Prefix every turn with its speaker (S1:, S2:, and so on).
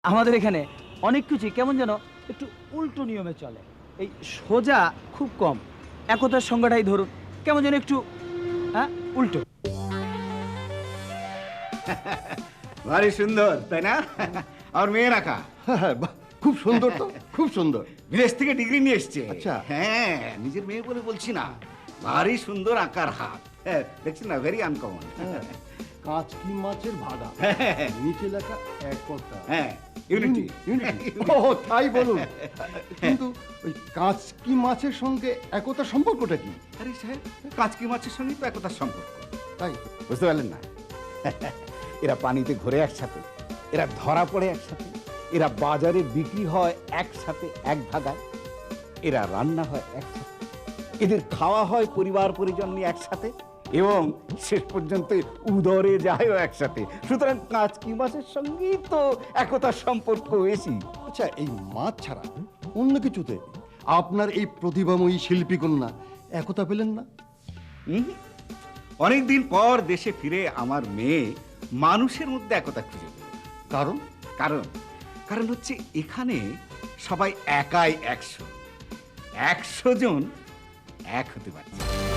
S1: আমাদের এখানে অনেক কিছুই কেমন যেন একটু উল্টো নিয়মে চলে। এই সোজা খুব কম। একতার সংজ্ঞাটাই ধরুন কেমন যেন একটু উল্টো।
S2: ভারী সুন্দর তাই না? আর মেয়ে রাখা
S3: হ্যাঁ, বাহ, খুব সুন্দর তো, খুব সুন্দর।
S2: বিদেশ থেকে ডিগ্রি নিয়ে এসছে।
S3: আচ্ছা।
S2: হ্যাঁ, নিজের মেয়ে বলে বলছি না, ভারী সুন্দর আঁকার হাত। হ্যাঁ, দেখছি না, ভেরি আনকমন।
S3: হ্যাঁ, কাচকি মাছের ভাগা, নিচে লেখা একতা।
S2: হ্যাঁ, ইউনিটি।
S3: ইউনিটি। ও তাই বলুন, কিন্তু ওই কাচকি মাছের সঙ্গে একতার সম্পর্কটা কি?
S2: আরে সাহেব, কাচকি মাছের সঙ্গে তো একতার সম্পর্ক,
S3: তাই
S2: বুঝতে পারলেন না? এরা পানিতে ঘোরে একসাথে, এরা ধরা পড়ে একসাথে, এরা বাজারে বিক্রি হয় একসাথে এক ভাগায়, এরা রান্না হয় একসাথে, এদের খাওয়া হয় পরিবার পরিজন নিয়ে একসাথে, এবং শেষ পর্যন্ত উদরে যায়ও একসাথে। সুতরাং কাচকি মাছের সঙ্গেই তো একতার সম্পর্ক বেশি।
S3: আচ্ছা, এই মাছ ছাড়া অন্য কিছুতে আপনার এই প্রতিভাময়ী শিল্পী কন্যা একতা পেলেন না?
S2: অনেকদিন পর দেশে ফিরে আমার মেয়ে মানুষের মধ্যে একতা খুঁজে পেল।
S3: কারণ
S2: কারণ কারণ হচ্ছে এখানে সবাই একাই 100 জন এক হতে পারছে।